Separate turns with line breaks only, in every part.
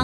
ง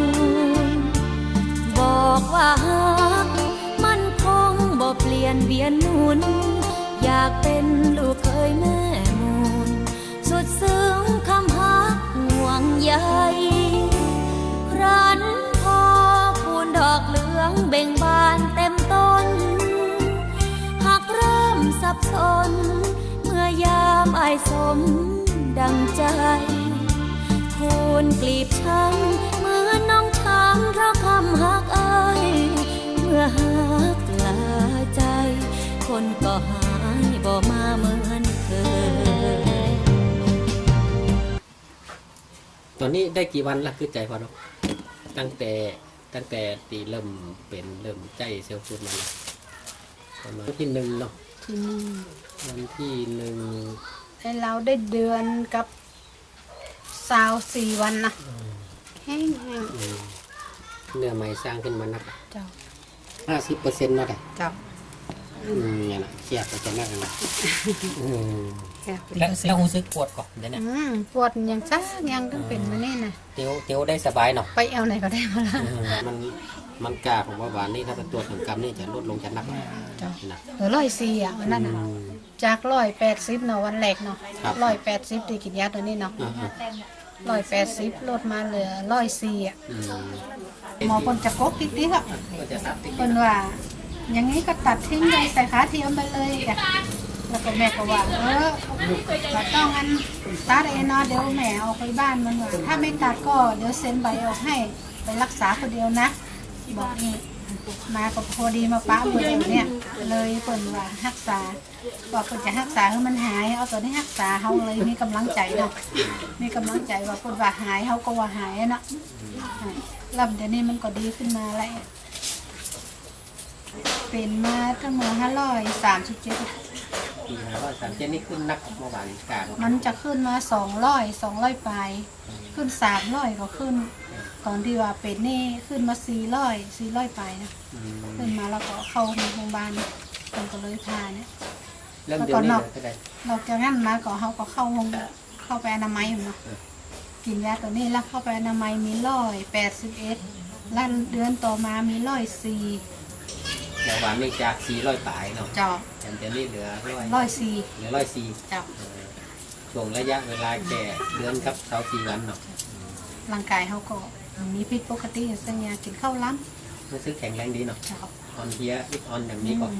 บอกว่าฮักมันคงบ่เปลี่ยนเวียนหมุนอยากเป็นลูกเคยแม่มูลสุดซึ้งคำฮักห่วงใยครั้นพอคูณดอกเหลืองเบ่งบานเต็มต้นหักเริ่มสับสนเมื่อยามอ้ายสมดังใจคูณกลีบช้ำเหมือนน้องช้ำเพราะคำฮักอ้ายเมื่อฮักลาใจคนก็หายบ่มาเหมือนเคย
ตอนนี้ได้กี่วันละคือใจพอเนาะตั้งแต่ตีเริ่มเป็นเริ่มใจเซลล์ฟูดมาแล้วประมาณวันที่1เนาะ
ที่นี่
วันที่1
ให้เราได้เดือนกับ24 วันนะแห้ง
เนื้อใหม่สร้างขึ้นมานัก
เจ้า
50%เนาะแต่
เจ้า
เนี่ยนะเสียบไปจะนักนะ
แค่
แล้วรู้สึกปวดก่อนเดี๋ยวนี้
ปวดยังซักยังต้องเป็นมานี่นะ
เตียวได้สบายเนาะ
ไปเอาไหนก็ได้มาละ
มันกล้าของว่าหวานนี่ถ้าเป็นตัวถึงกรรมนี่จะลดลงจะนักนะ
104อ่ะวันนั้นนะจาก180เนาะวันแรกเนาะ180ที่กินยาตัวนี้เนาะ180ลดมาเหลือ104อ่ะหมอคนจะกกติ๊กๆอ่ะคนว่าอย่างนี้ก็ตัดทิ้งเลยใส่ขาเทียมไปเลยอ่ะแล้วก็แม่ก็ว่าไม่ต้องงั้นตัดเองเนาะเดี๋ยวแม่เอาไปบ้านมันว่าถ้าไม่ตัดก็เดี๋ยวเซ็นใบออกให้ไปรักษาคนเดียวนะบอกนี่มาก็พอดีมาป้ามือเนี่ยเลยเปิ่นว่ารักษาบอกเปิ่นจะรักษาให้มันหายเอาตัวนี้รักษาเขาเลยมีกำลังใจเนาะมีกำลังใจว่าเปิ่นว่าหายเขาก็ว่าหายเนาะลำเดี๋ยวนี้มันก็ดีขึ้นมาแล้วเป็นมาทั้งหมด537
ปี537นี่ขึ้นนักเมื่อวานกา
มันจะขึ้นมา200ปลายขึ้น300ก็ขึ้นตอนที่ว่าเป็นนี่ขึ้นมา400ปลายนะขึ้นมาแล้วก็เข้าโรงพยาบาลมันก็เลยพาเนี่ย
แล้วก็น
อกจากนั้นมาก็เขาก็เข้าไปอนามัยเนาะกินยาตัวนี้แล้วเข้าไปอนามัยมี181แล้วเดือนต่อมามี104
แต่หวานนี่จาก400ปลายเนาะ
เจ้า
แต่เดี๋ยวนี้เหลือ
104
เหลือ104
เจ้า
ช่วงระยะเวลาแก่เดือนครับ24วันเนาะ
ร่างกายเขาก็มีผิดปกติสัญญากินข้าวล้
ำรู้สึกแข็งแรงดีเนาะออนเฮียอิดออนอย่างนี้ก็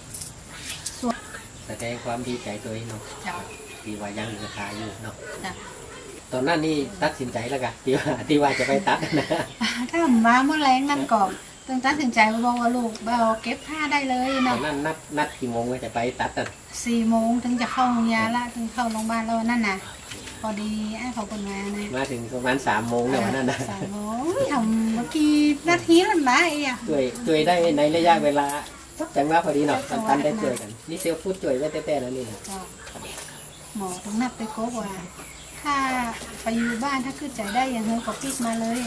แสดงความดีใจตัวเองเนาะที่ว่ายังราคาอยู่เนาะตอนนั้นนี่ตัดสินใจแล้วกันที่ว่าจะไปตัดนะ
ถ้ามาเมื่อแรงนั่นก่อนตึงตัดสินใจบอกว่าลูกเอาเก็บผ้าได้เลยเนาะ
ตอนนั้นนัดกี่โมงจะไปตัดอ่ะ
4 โมงถึงจะเข้าโรงพยาบาลละถึงเข้าโรงพยาบาลแล้วนั่นน่ะพอดีไอ้เขาเป็น
มาถึงประมาณ3 โมงเนี่ยวันนั้นนะ
3 โมงทำเมื่อกี้นาทีนั่นนะไอ้อะ
ช่วยได้ในระยะเวลาจังหวะพอดีเนาะทันได้ช่วยกันนี่เซลฟูดช่วยไว้แต่แล้วนี่
หมอต้องนัดไปโกว่าถ้าไปอยู่บ้านถ้าขึ้นใจได้อย่างเงี้ยก็ปิดมาเลย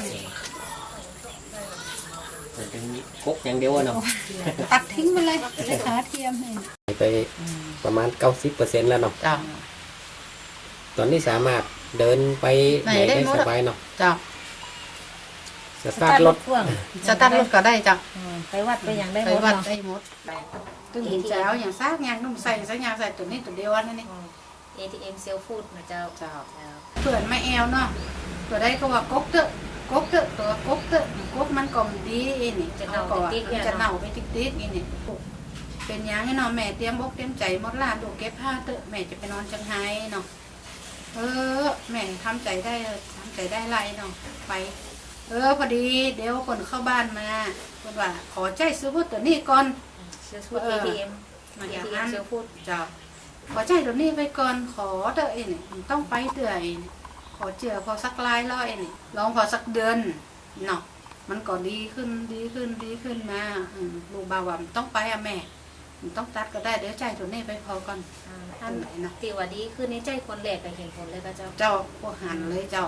เป็นกกอย่างเดียวเนาะ
ตัดทิ้งไปเลยขาเทียม
ไปประมาณ90%แล้วเนาะตอนนี้สามารถเดินไปไหนได้สบายเนาะ
จ้า
สตาร์ทรถ
ก็ได้จ้ะ
ไปวัดไปอย่างได้หมด
ไปวัดได้หมดตึงเช้าอย่างซากยางนุ่มใส่สักยางใส่ตัวนี้ตัวเดียวนั่นนี่
ATM เซลฟูดนะเจ้า
เผื่อไม่แอลเนาะตัวได้ก็ว่ากกเตอะตัวกกเตอะกกมันก่อมดีนี่จะเน่าไปติ๊กนี่เป็นอย่างนี้เนาะแม่เตรียมอกเตรียมใจหมดล่ะดูเก็บผ้าเตอะแม่จะไปนอนจังไห้เนาะแม่ทำใจได้ไรเนาะไปพอดีเดี๋ยวคนเข้าบ้านมาคนว่าขอใจซื้อพูดตัวนี้ก่อน
ATM
มาอย่างนั้นซื้อพูดจ้าขอใจตัวนี้ไปก่อนขอเตอะนี่ต้องไปเตอะขอเจือพอสักลายร้อยนี่ลองพอสักเดือนเนาะมันก็ดีขึ้นมาลูกบ่าวว่าต้องไปอะแม่ต้องตัดก็ได้เดี๋ยวใจตัวนี้ไปพอก่อน
อันไหนนะตีว่าดีขึ้นในใจคนแหลกไปเห็นผลเลย
เจ้าพวกหันเลยเจ้า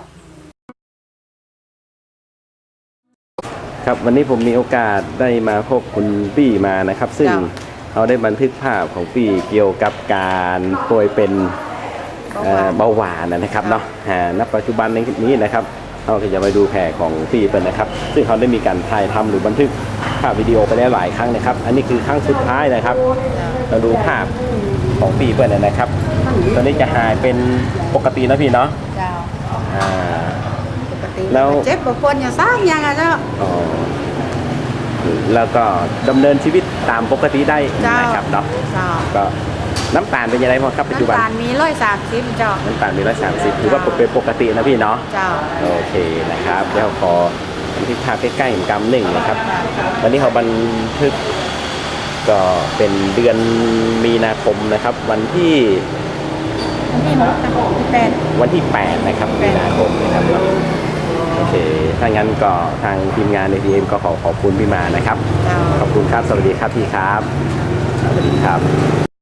ครับวันนี้ผมมีโอกาสได้มาพบคุณปี้มานะครับซึ่งเขาได้บันทึกภาพของปี้เกี่ยวกับการป่วยเป็นเบาหวานนะครับเนาะณปัจจุบันนี้นะครับเราก็จะไปดูแผลของปีเปิลนะครับ ซึ่งเขาได้มีการถ่ายทำหรือบันทึกภาพวิดีโอไปแล้วหลายครั้งนะครับ อันนี้คือครั้งสุดท้ายนะครับ เราดูภาพของปีเปิลนะครับ ตอนนี้จะหายเป็นปกตินะพี่เนาะ
เจ้า
อ่า
ปกติ
แล้ว
เจ็บปวดอย่างซ้ำยังอ่ะเจ้า
อ๋อแล้วก็ดำเนินชีวิตตามปกติได้
เจ้า
นะครับเนาะ
เจ้า
ก็น้ำตาลเป็นยังไงบ้างครับปัจจุบัน
น้ำตาลมี130เจ้า
น้ำตาลมี130ถือว่าเป็นปกตินะพี่เนาะ
เจ้า
โอเคนะครับเดี๋ยวขอบันทึกภาพใกล้ๆกำหนึ่งนะครับวันนี้เขาบันทึกก็เป็นเดือนมีนาคมนะครับ วันที่
นี่มดนะ8
วันที่ 8 นะครับมีนาคมนะครับโอเคถ้างั้นก็ทางทีมงานในทีเอ็มก็ขอขอบคุณพี่มานะครับ
เจ้า
ขอบคุณครับสวัสดีครับพี่ครับสวัสดีครับ